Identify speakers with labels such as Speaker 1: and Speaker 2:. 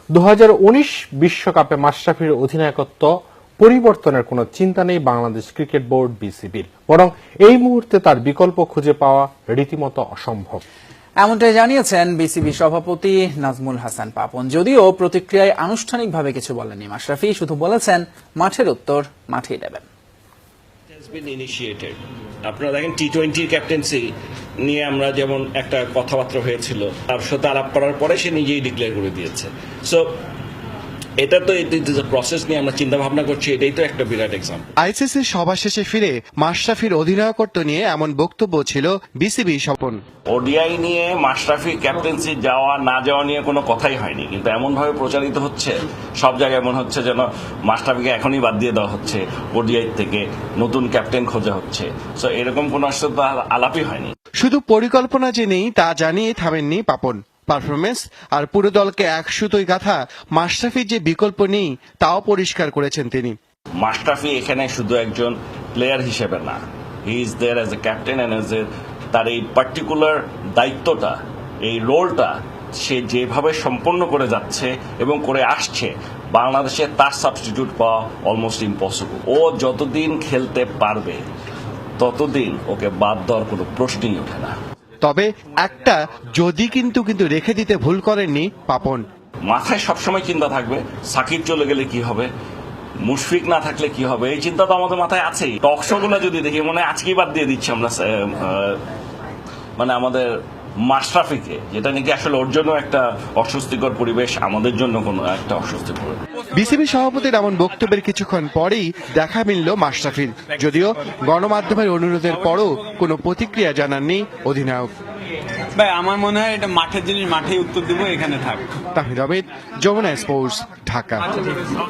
Speaker 1: 2019 বিশ্বকাপে মাশরাফির অধিনায়কত্ব পরিবর্তনের কোনো চিন্তা নেই বাংলাদেশ ক্রিকেট বোর্ড বিসিবির, বরং এই মুহূর্তে তার বিকল্প খুঁজে পাওয়া রীতিমতো অসম্ভব।
Speaker 2: এমনটাই জানিয়েছেন বিসিবি সভাপতি নাজমুল হাসান পাপন। যদিও প্রতিক্রিয়ায় আনুষ্ঠানিকভাবে কিছু বলেননি মাশরাফি, শুধু বলেছেন মাঠের উত্তর মাঠেই দেবেন।
Speaker 3: আপনারা দেখেন টি-20 ক্যাপ্টেন্সি নিয়ে আমরা যেমন একটা কথাবার্তা হয়েছিল, তার সাথে আলাপ করার পরে সে নিজেই ডিক্লেয়ার করে দিয়েছে। সো এটা তো প্রসেস নিয়ে আমরা চিন্তা ভাবনা করছি, এটাই তো একটা বিরাট এক্সাম্পল।
Speaker 4: আইসিসির সভা শেষে ফিরে মাশরাফির অধিনায়কত্ব নিয়ে এমন বক্তব্য ছিল বিসিবি স্বপন।
Speaker 3: ওডিআই নিয়ে মাশরাফির ক্যাপ্টেন্সি যাওয়া না যাওয়া নিয়ে কোনো কথাই হয়নি, কিন্তু এমনভাবে প্রচারিত হচ্ছে সব জায়গায়, মনে হচ্ছে যেন মাশরাফিকে এখনই বাদ দিয়ে দেওয়া হচ্ছে, ওডিআই থেকে নতুন ক্যাপ্টেন খোঁজা হচ্ছে। সো এরকম কোনো আসলে আলাপই হয়নি।
Speaker 4: শুধু পরিকল্পনা যে নেই তা জানিয়ে থামেননি পাপন। পারফরমেন্স আর পুরো দলকে এক সুতোয় গাঁথা মাশরাফির যে বিকল্প নেই তাও পরিষ্কার করেছেন তিনি।
Speaker 3: মাশরাফি এখানে শুধু একজন প্লেয়ার হিসেবে না, he is there as a captain and as a তার এই পার্টিকুলার দায়িত্বটা, এই রোলটা সে যেভাবে সম্পন্ন করে যাচ্ছে এবং করে আসছে, বাংলাদেশে তার সাবস্টিটিউট পাওয়া অলমোস্ট ইম্পসিবল। ও যতদিন খেলতে পারবে ততদিন ওকে বাদ দেওয়ার কোনো প্রশ্নই ওঠে না।
Speaker 4: তবে একটা যদি কিন্তু রেখে দিতে ভুল করেননি পাপন।
Speaker 3: মাথায় সবসময় চিন্তা থাকবে সাকিব চলে গেলে কি হবে, মুশফিক না থাকলে কি হবে, এই চিন্তা তো আমাদের মাথায় আছেই। টক শো গুলো যদি দেখি মনে হয় আজকেই বাদ দিয়ে দিচ্ছি আমরা মানে আমাদের মাশরাফিকে, যেটা নাকি আসলে ওর জন্য একটা অস্বস্তিকর পরিবেশ, আমাদের জন্য কোনো একটা অস্বস্তিকর।
Speaker 4: বিসিবি সভাপতির এমন বক্তব্যের কিছুক্ষণ পরেই দেখা মিলল মাশরাফির, যদিও গণমাধ্যমের অনুরোধের পরও কোনো প্রতিক্রিয়া জানাননি অধিনায়ক।
Speaker 5: ভাই আমার মনে হয় এটা মাঠের জিনিস, মাঠেই উত্তর দিব, এখানে থাক।
Speaker 4: তাহির আহমেদ, যমুনা স্পোর্টস, ঢাকা।